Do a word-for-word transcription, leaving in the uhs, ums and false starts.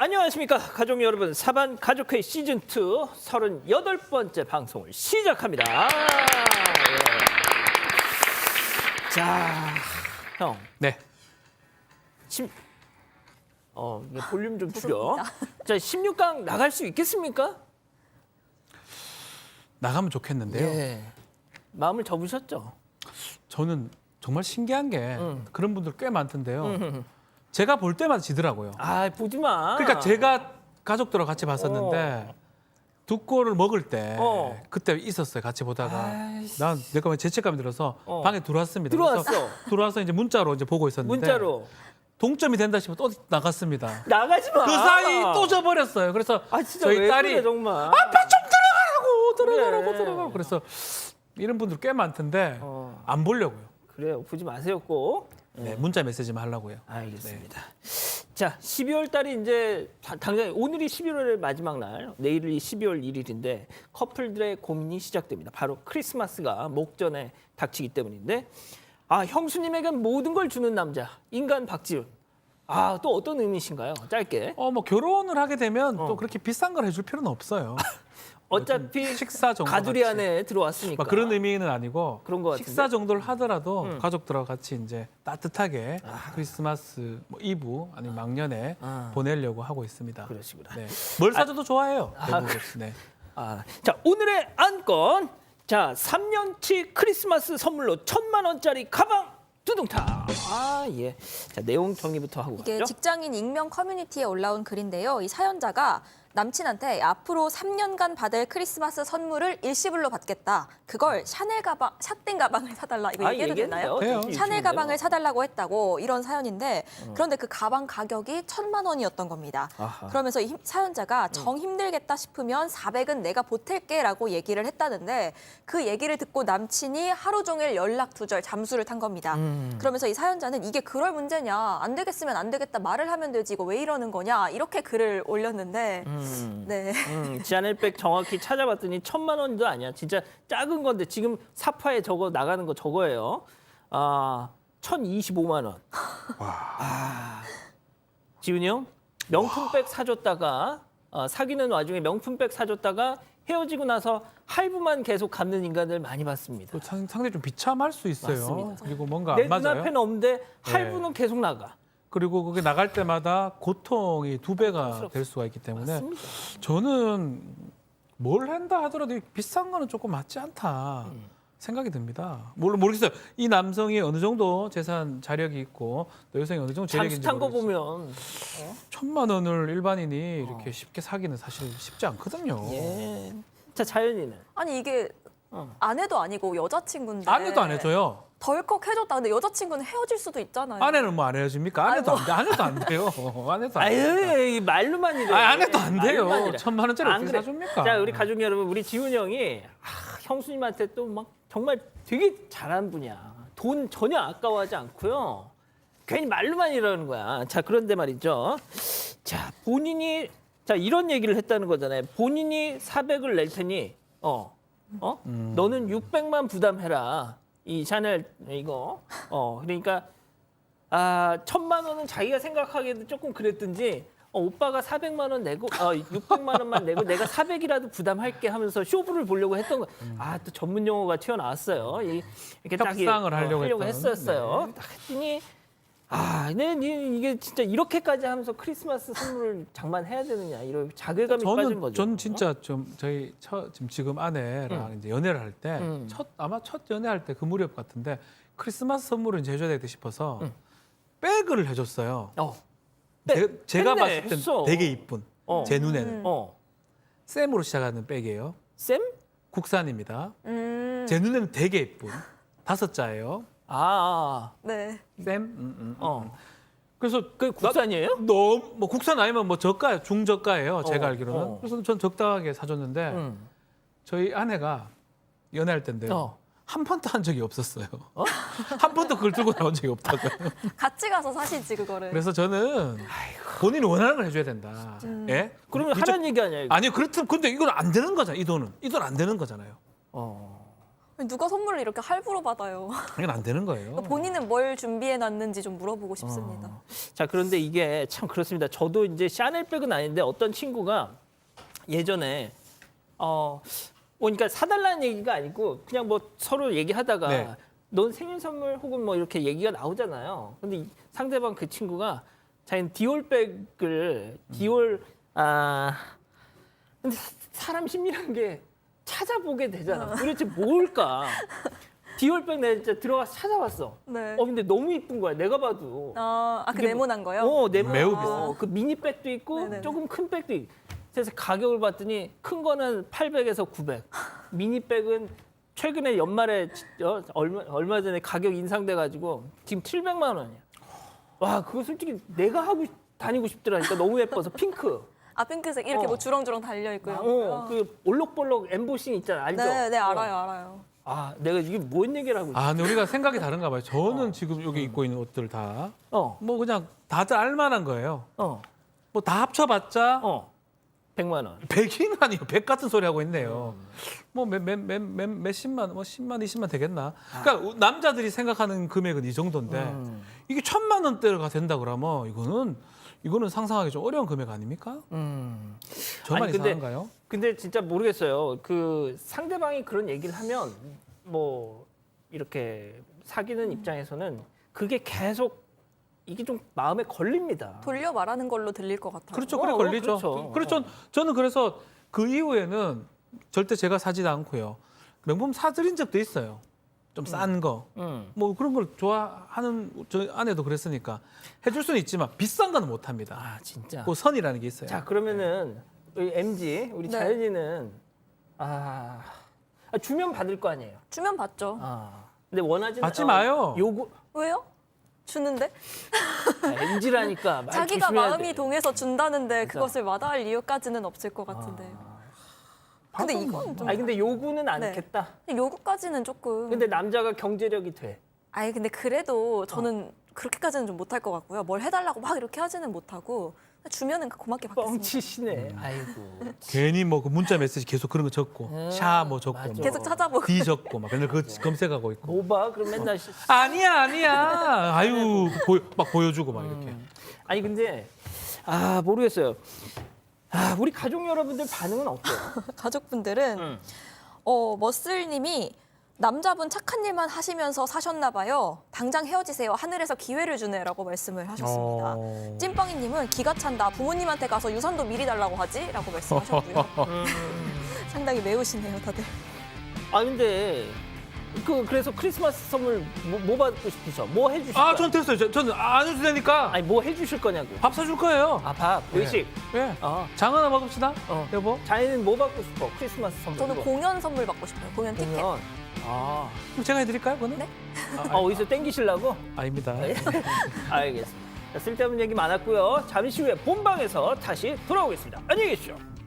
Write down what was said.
안녕하십니까 가족 여러분. 사반 가족회의 시즌이 서른여덟 번째 방송을 시작합니다. 아, 예. 자, 형. 네. 심, 어, 이게 볼륨 좀 줄여. 자, 십육 강 나갈 수 있겠습니까? 나가면 좋겠는데요. 예. 마음을 접으셨죠? 저는 정말 신기한 게 음. 그런 분들 꽤 많던데요. 음. 제가 볼 때마다 지더라고요. 아, 보지 마. 그러니까 제가 가족들하고 같이 봤었는데 두 골을 먹을 때 어. 그때 있었어요. 같이 보다가 아이씨. 난 내가 죄책감이 들어서 어. 방에 들어왔습니다. 들어왔어. 그래서 들어와서 이제 문자로 이제 보고 있었는데 문자로 동점이 된다 싶어 또 나갔습니다. 나가지 마. 그 사이 또 져버렸어요. 그래서 아, 진짜 저희 왜 딸이 그래, 정말. 아빠 좀 들어가라고 들어가라고 그래. 들어가라고 그래서 이런 분들 꽤 많던데 어. 안 보려고요. 그래요. 보지 마세요, 꼭. 네, 문자 메시지만 하려고요. 알겠습니다. 자, 십이월 달이 이제 다- 당장 오늘이 십일월의 마지막 날, 내일이 십이월 일일인데 커플들의 고민이 시작됩니다. 바로 크리스마스가 목전에 닥치기 때문인데, 아, 형수님에게 모든 걸 주는 남자, 인간 박지훈. 아, 또 어떤 의미신가요? 짧게. 어, 뭐 결혼을 하게 되면 어. 또 그렇게 비싼 걸 해줄 필요는 없어요. 어차피 식사 정도 가두리 같이. 안에 들어왔으니까. 막 그런 의미는 아니고 그런 것 같은데? 식사 정도를 하더라도 음. 가족들하고 같이 이제 따뜻하게 크리스마스 뭐 이브 아니면 막년에 아. 보내려고 하고 있습니다. 그러시구나. 네. 뭘 사줘도 좋아해요. 아, 대부분. 네. 아, 자, 오늘의 안건. 자, 삼 년치 크리스마스 선물로 천만 원짜리 가방 두둥타. 아, 예. 자, 내용 정리부터 하고 이게 가죠. 직장인 익명 커뮤니티에 올라온 글인데요. 이 사연자가 남친한테 앞으로 삼 년간 받을 크리스마스 선물을 일시불로 받겠다. 그걸 샤넬 가방, 샷땡 가방을 사달라. 이거 아, 얘기해도 되나요? 돼요. 저기 샤넬 유튜브인데요. 가방을 사달라고 했다고 이런 사연인데 그런데 그 가방 가격이 천만 원이었던 겁니다. 아하. 그러면서 이 힘- 사연자가 정 힘들겠다 싶으면 사백은 내가 보탤게라고 얘기를 했다는데 그 얘기를 듣고 남친이 하루 종일 연락 두절 잠수를 탄 겁니다. 음. 그러면서 이 사연자는 이게 그럴 문제냐, 안 되겠으면 안 되겠다 말을 하면 되지 이거 왜 이러는 거냐 이렇게 글을 올렸는데 음. 네. 음, 지하넬백 정확히 찾아봤더니 천만 원도 아니야. 진짜 작은 건데 지금 사파에 저거 나가는 거 저거예요. 아, 천이십오만 원. 아, 지훈이 형 명품백 사줬다가 어, 사귀는 와중에 명품백 사줬다가 헤어지고 나서 할부만 계속 갚는 인간들 많이 봤습니다. 또 상- 상당히 좀 비참할 수 있어요. 맞습니다. 그리고 뭔가 내 안 맞아요. 눈앞에는 없는데 할부는 계속 나가. 그리고 그게 나갈 때마다 고통이 두 배가 될 수가 있기 때문에 맞습니다. 저는 뭘 한다 하더라도 이 비싼 거는 조금 맞지 않다 음. 생각이 듭니다. 물론 모르겠어요. 이 남성이 어느 정도 재산 자력이 있고 또 여성이 어느 정도 재력인지 잠수 탄 거 모르겠어요. 보면 천만 원을 일반인이 이렇게 쉽게 사기는 사실 쉽지 않거든요. 예. 자, 자연이는 아니 이게 어. 아내도 아니고 여자친구인데 아내도 안 해줘요. 덜컥 해줬다. 근데 여자친구는 헤어질 수도 있잖아요. 아내는 뭐 안 해줍니까? 아내도 안 돼. 아내도 안 돼요. 아내도 안 돼요. 아유, 이 말로만 이래. 아, 아내도 안 돼요. 말로만 이래. 천만 원짜리 안 어떻게 그래. 사줍니까? 자, 우리 가족 여러분, 우리 지훈 형이 아, 형수님한테 또 막 정말 되게 잘하는 분이야. 돈 전혀 아까워하지 않고요. 괜히 말로만 이러는 거야. 자, 그런데 말이죠. 자, 본인이 자 이런 얘기를 했다는 거잖아요. 본인이 사백을 낼 테니 어, 어, 음. 너는 육백만 부담해라. 이 샤넬 이거. 어, 그러니까 아 천만 원은 자기가 생각하기에도 조금 그랬든지. 어, 오빠가 사백만 원 내고 어, 육백만 원만 내고 내가 사백이라도 부담할게 하면서 쇼부를 보려고 했던 거. 아, 또 전문 용어가 튀어나왔어요. 이, 이렇게 딱 이- 협상을 하려고 하려고 했던. 했었어요. 딱 했더니 아, 네, 네, 이게 진짜 이렇게까지 하면서 크리스마스 선물을 장만해야 되느냐 이런 자괴감이 빠진 저는 거죠. 전 진짜 좀 저희 처, 지금 지금 아내랑 이제 연애를 할 때 첫 음. 아마 첫 연애할 때 그 무렵 같은데 크리스마스 선물을 이제 해줘야 되겠다 싶어서 음. 백을 해줬어요. 어, 제, 제가 했네, 봤을 땐 했어. 되게 이쁜 어. 제 눈에는 음. 어, 샘으로 시작하는 백이에요. 쌤? 국산입니다. 음, 제 눈에는 되게 이쁜 다섯 자예요. 아, 네. 샘. 음, 음, 음. 어, 그래서 그 국산이에요? 너무 뭐 국산 아니면 뭐 저가 중저가예요. 제가 어, 알기로는. 어. 그래서 전 적당하게 사줬는데 음. 저희 아내가 연애할 때인데요. 어. 한 번도 한 적이 없었어요. 한 번도 그걸 들고 나온 적이 없다고요. 같이 가서 사시지 그거를. 그래서 저는 본인이 원하는 걸 해줘야 된다. 예? 그러면 진짜- 하라는 얘기 아니야 이거? 아니요. 그렇다면 근데 이건 안 되는 거잖아요. 이 돈은 이 돈 안 되는 거잖아요. 어, 누가 선물을 이렇게 할부로 받아요. 이건 안 되는 거예요. 본인은 뭘 준비해놨는지 좀 물어보고 싶습니다. 어. 자, 그런데 이게 참 그렇습니다. 저도 이제 샤넬백은 아닌데 어떤 친구가 예전에 어 그러니까 사달라는 얘기가 아니고 그냥 뭐 서로 얘기하다가 네. 넌 생일 선물 혹은 뭐 이렇게 얘기가 나오잖아요. 근데 이 상대방 그 친구가 자기는 디올백을 디올 아 근데 사- 사람 심리라는 게 찾아보게 되잖아. 도대체 뭘까? 디올백 내가 진짜 들어가서 찾아봤어. 네. 어 근데 너무 이쁜 거야. 내가 봐도. 아, 아, 그 이게 네모난 거요? 어, 네모. 매우 어, 그 미니백도 있고 네네네. 조금 큰 백도 있고. 그래서 가격을 봤더니 큰 거는 팔백에서 구백. 미니백은 최근에 연말에 어, 얼마 얼마 전에 가격 인상돼 가지고 지금 칠백만 원이야. 와, 그거 솔직히 내가 하고 싶- 다니고 싶더라니까. 너무 예뻐서 핑크. 아, 핑크색 이렇게 어. 뭐 주렁주렁 달려 있고 이런 어, 거요? 그 올록볼록 엠보싱 있잖아. 알죠? 네, 네, 어. 알아요, 알아요. 아, 내가 이게 뭔 얘기를 하고 있어? 아, 근데 우리가 생각이 다른가 봐요. 저는 지금 여기 입고 있는 옷들 다 어. 뭐 그냥 다들 알만한 거예요. 어. 뭐 다 합쳐봤자 어. 백만 원. 백인 아니요. 백 같은 소리 하고 있네요. 뭐 몇 몇 몇 몇 몇십만 뭐 십만 이십만 되겠나. 그러니까 남자들이 생각하는 금액은 이 정도인데 음. 이게 천만 원대가 된다 그러면 이거는 이거는 상상하기 좀 어려운 금액 아닙니까? 음. 저만 아니, 근데- 이상한가요? 근데 진짜 모르겠어요. 그 상대방이 그런 얘기를 하면 뭐 이렇게 사귀는 입장에서는 그게 계속 이게 좀 마음에 걸립니다. 돌려 말하는 걸로 들릴 것 같아요. 그렇죠. 어, 그래 어, 걸리죠. 그렇죠. 그렇죠. 어. 저는 그래서 그 이후에는 절대 제가 사지도 않고요. 명품 사드린 적도 있어요. 좀 싼 거. 음. 뭐 그런 걸 좋아하는 저 아내도 그랬으니까 해줄 수는 있지만 비싼 거는 못 합니다. 아 진짜. 그 선이라는 게 있어요. 자 그러면은 우리 엠지 우리 네. 자연이는 아, 아, 주면 받을 거 아니에요. 주면 받죠. 아 근데 원하지는 받지 마요. 요구 왜요? 주는데? 엠지라니까 자기가 마음이 동해서 준다는데 그것을 마다할 이유까지는 없을 것 같은데요. 근데 받으면 이건 좀 아니 근데 요구는 네. 않겠다. 요구까지는 조금. 근데 남자가 경제력이 돼. 아니 근데 그래도 저는 그렇게까지는 좀 못할 것 같고요. 뭘 해달라고 막 이렇게 하지는 못하고 주면은 고맙게 받겠습니다. 뻥치시네. 아이고. 괜히 뭐 그 문자 메시지 계속 그런 거 적고 음, 샤 뭐 적고 맞아. 뭐 계속 찾아보고. D 적고 막 맨날 그거 검색하고 있고. 뭐 봐? 그럼 맨날 시- 아니야 아니야. 아유 보여, 막 보여주고 막 이렇게. 아니 근데 아 모르겠어요. 아 우리 가족 여러분들 반응은 어때요? 가족분들은 음. 어 머슬님이 남자분 착한 일만 하시면서 사셨나 봐요. 당장 헤어지세요. 하늘에서 기회를 주네라고 말씀을 하셨습니다. 어. 찐빵이님은 기가 찬다. 부모님한테 가서 유산도 미리 달라고 하지라고 말씀하셨고요. 음. 상당히 매우시네요, 다들. 아 근데 그 그래서 크리스마스 선물 뭐, 뭐 받고 싶으셔? 뭐 해주실 거야? 아, 전 됐어요. 저- 저는 안 해도 되니까 아니 뭐 해주실 거냐고? 밥 사줄 거예요. 아 밥, 네. 외식. 예. 어. 장 하나 먹읍시다. 어. 여보. 자네는 뭐 받고 싶어? 크리스마스 선물. 저는 이거. 공연 선물 받고 싶어요. 공연 티켓. 공연. 아, 그럼 제가 해드릴까요, 그거는? 네? 아 어디서 땡기시려고? 아닙니다. 알겠습니다. 자, 쓸데없는 얘기 많았고요. 잠시 후에 본방에서 다시 돌아오겠습니다. 안녕히 계십시오.